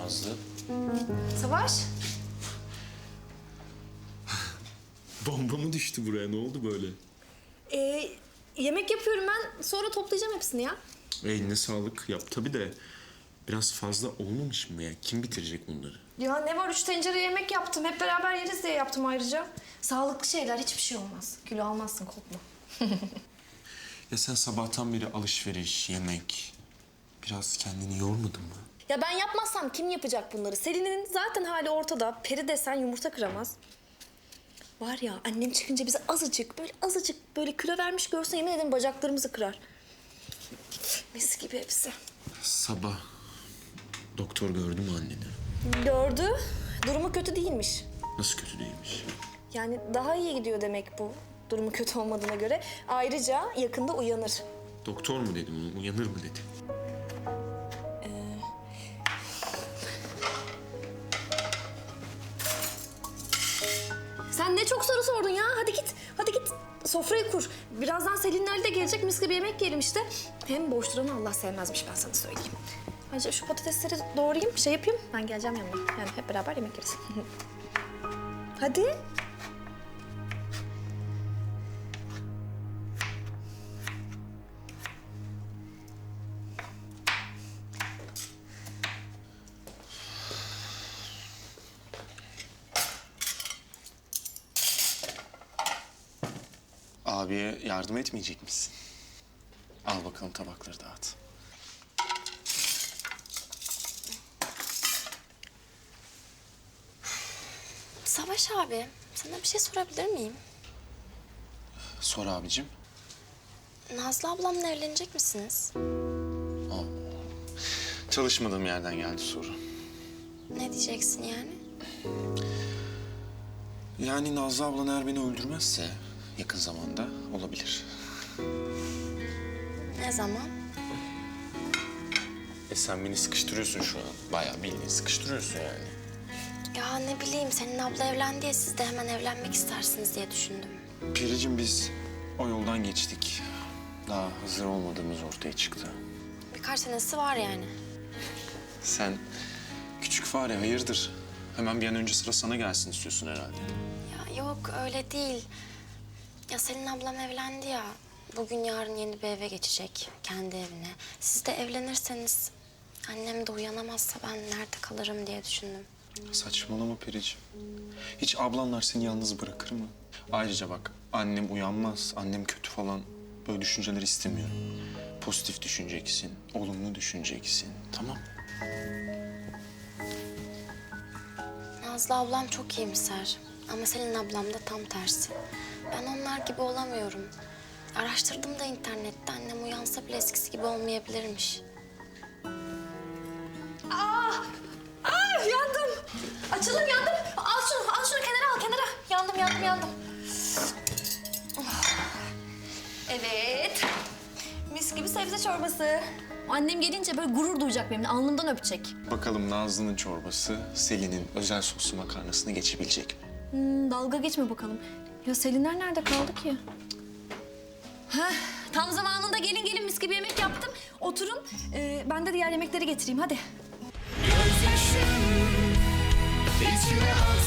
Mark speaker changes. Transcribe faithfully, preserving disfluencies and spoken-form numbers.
Speaker 1: Nazlı.
Speaker 2: Savaş.
Speaker 1: Bomba mı düştü buraya? Ne oldu böyle?
Speaker 2: Ee, yemek yapıyorum ben. Sonra toplayacağım hepsini ya.
Speaker 1: Eline sağlık. Yap tabii de biraz fazla olmamış mı ya? Kim bitirecek bunları?
Speaker 2: Ya ne var? Üç tencere yemek yaptım. Hep beraber yeriz diye yaptım ayrıca. Sağlıklı şeyler. Hiçbir şey olmaz. Kilo almazsın, korkma.
Speaker 1: Ya sen sabahtan beri alışveriş, yemek... Biraz kendini yormadın mı?
Speaker 2: Ya ben yapmazsam kim yapacak bunları? Selin'in zaten hali ortada. Peri desen yumurta kıramaz. Var ya annem çıkınca bize azıcık böyle azıcık böyle kilo vermiş görse yemin ederim bacaklarımızı kırar. Mis gibi hepsi.
Speaker 1: Sabah doktor gördü mü anneni?
Speaker 2: Gördü. Durumu kötü değilmiş.
Speaker 1: Nasıl kötü değilmiş?
Speaker 2: Yani daha iyi gidiyor demek bu. Durumu kötü olmadığına göre. Ayrıca yakında uyanır.
Speaker 1: Doktor mu dedi bunu? Uyanır mı dedi?
Speaker 2: Sen ne çok soru sordun ya. Hadi git. Hadi git. Sofrayı kur. Birazdan Selinler de gelecek. Mis gibi yemek yiyelim işte. Hem boş duranı Allah sevmezmiş ben sana söyleyeyim. Ayrıca şu patatesleri doğrayayım, şey yapayım. Ben geleceğim yanına. Yani hep beraber yemek yeriz. Hadi.
Speaker 1: Abiye yardım etmeyecek misin? Al bakalım tabakları dağıt.
Speaker 3: Savaş abi, sana bir şey sorabilir miyim?
Speaker 1: Sor abicim.
Speaker 3: Nazlı ablamla evlenecek misiniz?
Speaker 1: Çalışmadığım yerden geldi soru.
Speaker 3: Ne diyeceksin yani?
Speaker 1: Yani Nazlı ablan eğer beni öldürmezse yakın zamanda olabilir.
Speaker 3: Ne zaman?
Speaker 1: E sen beni sıkıştırıyorsun şu an. Bayağı bildiğin sıkıştırıyorsun yani.
Speaker 3: Ya ne bileyim, senin abla evlendi ya, siz de hemen evlenmek istersiniz diye düşündüm.
Speaker 1: Piricim biz o yoldan geçtik. Daha hazır olmadığımız ortaya çıktı.
Speaker 3: Birkaç senesi var yani.
Speaker 1: Sen küçük fare hayırdır? Hemen bir an önce sıra sana gelsin istiyorsun herhalde.
Speaker 3: Ya yok, öyle değil. Ya Selin ablam evlendi ya. Bugün yarın yeni bir eve geçecek, kendi evine. Siz de evlenirseniz annem de uyanamazsa ben nerede kalırım diye düşündüm.
Speaker 1: Saçmalama Periciğim. Hiç ablanlar seni yalnız bırakır mı? Ayrıca bak annem uyanmaz, annem kötü falan böyle düşünceler istemiyorum. Pozitif düşüneceksin, olumlu düşüneceksin, tamam?
Speaker 3: Nazlı ablam çok iyimser ama Selin ablam da tam tersi. Ben onlar gibi olamıyorum. Araştırdım da internette, annem uyansa bile eskisi gibi olmayabilirmiş.
Speaker 2: Aa! Aa! Yandım. Açılım yandım. Al şunu, al şunu kenara al, kenara. Yandım, yandım, yandım. Evet. Mis gibi sebze çorbası. Annem gelince böyle gurur duyacak benimle, alnımdan öpecek.
Speaker 1: Bakalım Nazlı'nın çorbası Selin'in özel soslu makarnasını geçebilecek mi?
Speaker 2: Hmm, dalga geçme bakalım. Ya Selinler nerede kaldı ki? Heh, tam zamanında gelin gelin mis gibi yemek yaptım. Oturun, ee, ben de diğer yemekleri getireyim hadi.
Speaker 4: Gözyaşım içime al.